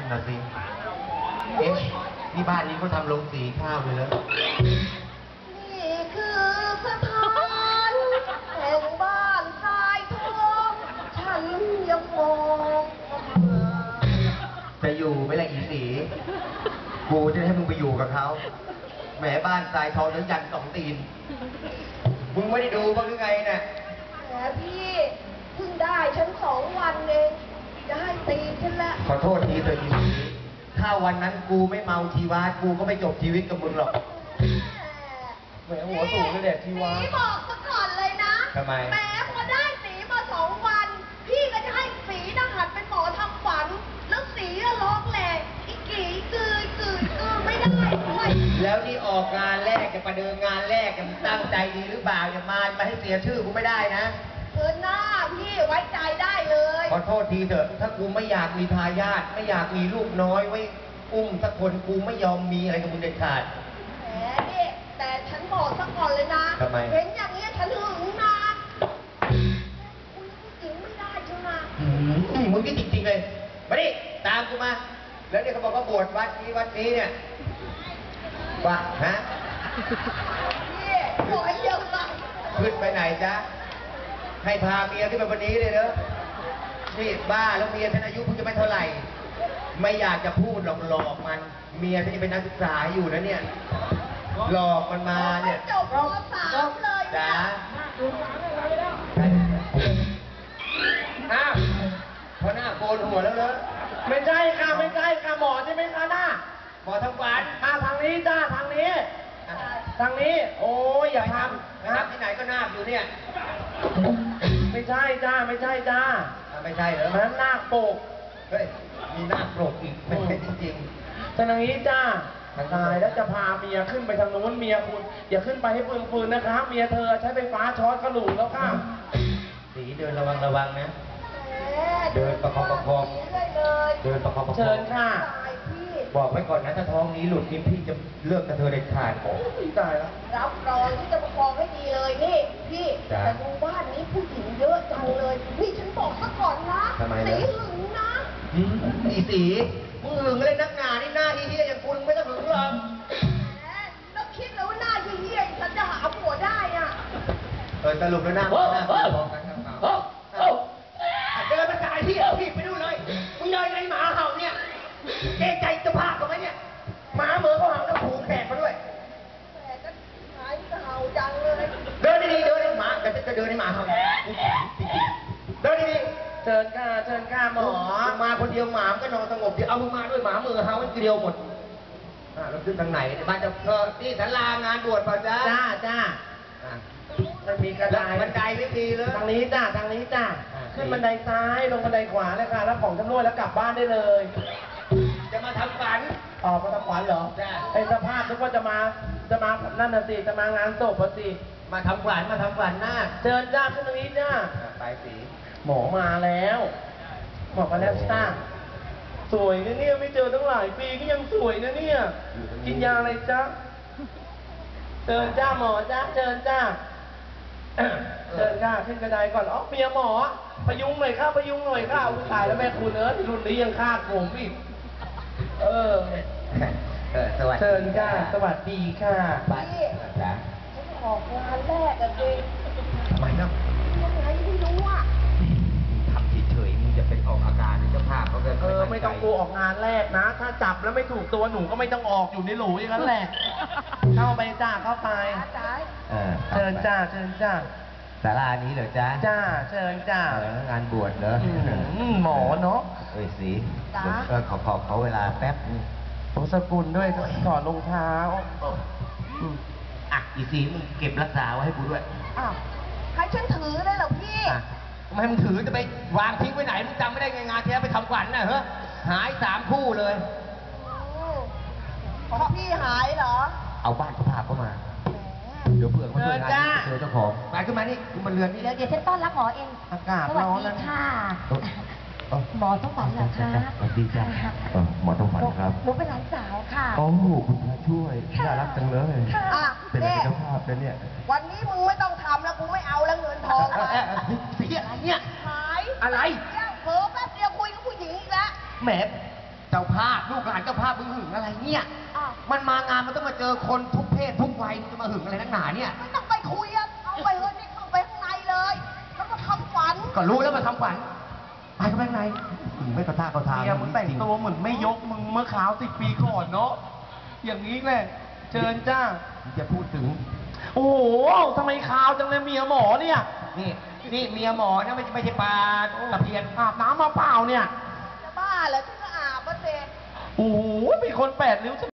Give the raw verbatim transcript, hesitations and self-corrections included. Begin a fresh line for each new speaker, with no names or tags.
น่ะสิเอ๊ะที่บ้านนี้เขาทำโรงสีข้าวเลยเหรอ
นี่คือสถานแห่งบ้านทรายทองฉันยังมอง
จะอยู่ไม่ละอีสีกูจะให้มึงไปอยู่กับเขาแหมบ้านทรายทองทั้งยันสองตีนมึงไม่ได้ดูบ้างหรือไงเนี่ย
แหมพี่เพิ่งได้ฉันสองวันเองจะให้ตีฉันละ
ขอโทษทีเถอะอีสีถ้าวันนั้นกูไม่เมาชีวากูก็ไม่จบชีวิตกับมึงหรอกแหมหัวสูงเลยเด็กชีวา
สีบอกซะก่อนเลยนะ
ทำไม
แหมพอได้สีมาสองวันพี่ก็จะให้สีนะหัดเป็นหมอทำฝันแล้วสีก็ร้องแหลกอีกกี่กือกือกือไม่ได้ด้วย
แล้วนี่ออกงานแรกจะประเดิมงานแรกจะตั้งใจดีหรือเปล่าอย่ามามาให้เสียชื่อกูไม่ได้นะ
เออหน้าพี่ไว้ใจได้เลย
ขอโทษทีเถอะถ้ากูไม่อยากมีทายาทไม่อยากมีลูกน้อยไว้อุ้มสักคนกูไม่ยอมมีอะไรกับมึงเด็ดขาด
แหมนี่แต่ฉันบอกซะก่อนเลยนะ
ทำไม
เห็นอย่างนี้ฉันหึงนะคุณผู้หญิงไม่ได้ใช่ไหม
มึงนี่จริงๆเลยมาดิตามกูมาแล้วเนี่ยเขาบอกว่าบวชวัดนี้วัดนี้เนี่ยว่าฮะ
นี่บอกให้เยอะไป
ขึ้นไปไหนจ๊ะให้พาเมียขึ้นไปวันนี้เลยเนอะนี่บ้าแล้วเมียท่านอายุเพิ่งจะไม่เท่าไหร่ไม่อยากจะพูดหลอกหลอกมันเมียท่านจะเป็นนักศึกษาอยู่นะเนี่ยหลอกมันมาเนี่ย
จบม.สาม เลย
จ้าอ้าวพอหน้าโกนหัวแล้วเหรอ
ไม่ใช่ค่ะไม่ใช่ค่ะหมอใช่ไหมคะหน้า
หมอทำฟัน
มาทางนี้จ้าทางนี้ทางนี้โอ้ยอย่าทำ
นะครับที่ไหนก็นาคอยู่เนี่ย
ไม่ใช่จ้าไม่ใช่จ้า
ไม่ใช่เหรอ
นั้นนาคปก
เฮ้ยมีนาคปกอีกไม่ใช่จริง
ๆทางนี้จ้าตายแล้วจะพาเมียขึ้นไปทางโน้นเมียคุณอย่าขึ้นไปให้ปืนๆนะคะเมียเธอใช้ไฟฟ้าช็อตกระหลุกแล้วค่ะ
สีเดินระวังระวังนะเดินประคองประคองเดินประคองประคอง
เชิญค่ะ
บอกไว้ก่อนนะถ้าท้องนี้หลุดนี่พี่จะเลิกกับเธอเด็ดขาดโอ้
ยตายแล้ว
รับรองที่จะประคองให้ดีเลยนี่พี่แต่ดูบ้านนี้ผู้หญิงเยอะจังเลยนี่ฉันบอกซะก่อนนะสีหึงนะ
สีสีมึงหึงเลยนักหนานี่หน้าเฮี้ยอย่างคุณไม่ต้องหึงหรอก
แหมแล้วคิดแล้วว่าหน้าเฮี้ยฉันจะหาผัวได้อ่ะ
เออสรุปแล้วหน้าหน้าพอกันครับเดินมาจ่ายที่เอาผิดไปดูเลยมึงเดินไงหมาเห่าเนี่ยเกรงใจเจ้าภาพเขาไหมเนี่ยหมาเหมือเขาเห่าแล้วผูกแขกมาด้วย
แต่ก็หายเห่าจังเลย
เดินดีๆเดินหมาแต่จะเดินให้หมาเห่าเดินดี
ๆเชิญค่ะเชิญค่ะหมอ
มาคนเดียวหมาก็นอนสงบดีเอามึงมาด้วยหมามือเห่ามันเดียวหมดอ่าเราขึ้นทางไหนบ้านจะเออนี่ศาลางานบวชป่ะจ๊ะ
จ้าจ้ามันมีกระได
บันไดไม่มีเลย
ทางนี้จ้าทางนี้จ้าขึ้นบันไดซ้ายลงบันไดขวาเลยค่ะรับของจำนวนแล้วกลับบ้านได้เลย
จะมาทำฝัน
อ๋อมาทำฝันเหรอ
จ้า
ไอ้สภาพนึกว่าจะมาจะมานั่นน่ะสิจะมางานศพสิ
มาทำฝันมาทำฝันหน้า
เชิญจ้าขึ้นตรงนี้จ้า
ไปสี
หมอมาแล้วหมอมาแล้วจ้าสวยนะเนี่ยไม่เจอตั้งหลายปีก็ยังสวยนะเนี่ยกินยาอะไรจ้าเชิญจ้าหมอจ้าเชิญจ้าเชิญค่ะขึ้นกระไดก่อนอ๋อเมียหมอพยุงหน่อยค่ะพยุงหน่อยค่ะผู้ชายแล้วแม่คุณเอิร์ธรุ่นนี้ยังคาดผมอีกเออ
สวัสดี
เชิญค่ะสวัสดีค่ะ
พี่ฉันออกงานแรกอะเอง
ทำไมเนาะ
ยังไงไม่รู้อะ
ทำเฉยๆมึงจะเป็นออกอาการเจ้าภาพเขา
เออไม่ต้องกลัวออกงานแรกนะถ้าจับแล้วไม่ถูกตัวหนูก็ไม่ต้องออกอยู่ในหลูอย่างนั้นแหละเข้าไปจ้าเข้าไปเชิญจ้าเชิญจ้า
ศาลานี้เหรอจ้า
จ้าเชิญจ้
างานบวชเหรอ
หมอเนาะ
เอ้ยสีเออขอขอเขาเวลาแป๊บ
ผมสกุลด้วยถอดรองเท้า
อ่ะอีสีมึงเก็บรักษาไว้ให้กูด้วย
อ้าวให้ฉันถือเลยเหรอพี่
ทำไมมึงถือจะไปวางทิ้งไว้ไหนมึงจำไม่ได้ไงงานที่แล้วไปทำขวัญน่ะเฮ้ยหายสามคู่เลย
ของพี่หายเหรอ
เอาบ้านเขาพาเข้ามาเดี๋ยวเผื่อเขาช่วยงานเจอเจ้าของไปขึ้นมานี่คุณมาเรือนนี่
แล้วเดี๋ยวฉันต้อนรับหมอเอง
อากาศร้อนแล้ว
ค่ะหมอต้องฝันเหรอคะ
สวัสดีจ้าหมอต้องฝันครับ
หนูเป็นหลานสาวค่ะ
โอ้คุณพระช่วยน่ารักจังเลยเป็นเจ้าภาพนะเนี่ย
วันนี้มึงไม่ต้องทำแล้วกูไม่เอาแล้วเงินทอง
เสียอะไรเนี่ย
หาย
อะไร
เผลอแป๊บเดียวคุยกับผู้หญิงอีกแล้ว
แหมเจ้าภาพลูกหลานเจ้าภาพมึงหึงอะไรเนี่ย
อ้าว
มันมางานมันต้องมาเจอคนทุกเพศทุกวัยมึงจะมาหึงอะไรนักหนาเนี่ย
ไม่ต้องไปคุยอะเอาไปเถอะนี่เข้าไปข้างในเลยแล้วก็ทำฝัน
ก็รู้แล้วมาทำฝันไปก็ไปข้างในหึงไม่กระท่าเขาทาง
เมียมึงแต่งตัวเหมือนไม่ยกมึงเมื่อคราวสิบปีก่อนเนาะ อย่างนี้แหละ เชิญจ้า
มึงจะพูดถึง
โอ้โหทำไมคราวจังเลยเมียหมอเนี่ย
นี่นี่เมียหมอนะไม่ใช่ไม่ใช่ปลาตะเพียน
อาบน้ำมาเปล่าเนี่ย
จะบ้าเหรอที่ก็อาบมาเสร็จ
โอ้โหเป็นคนแปดริ้ว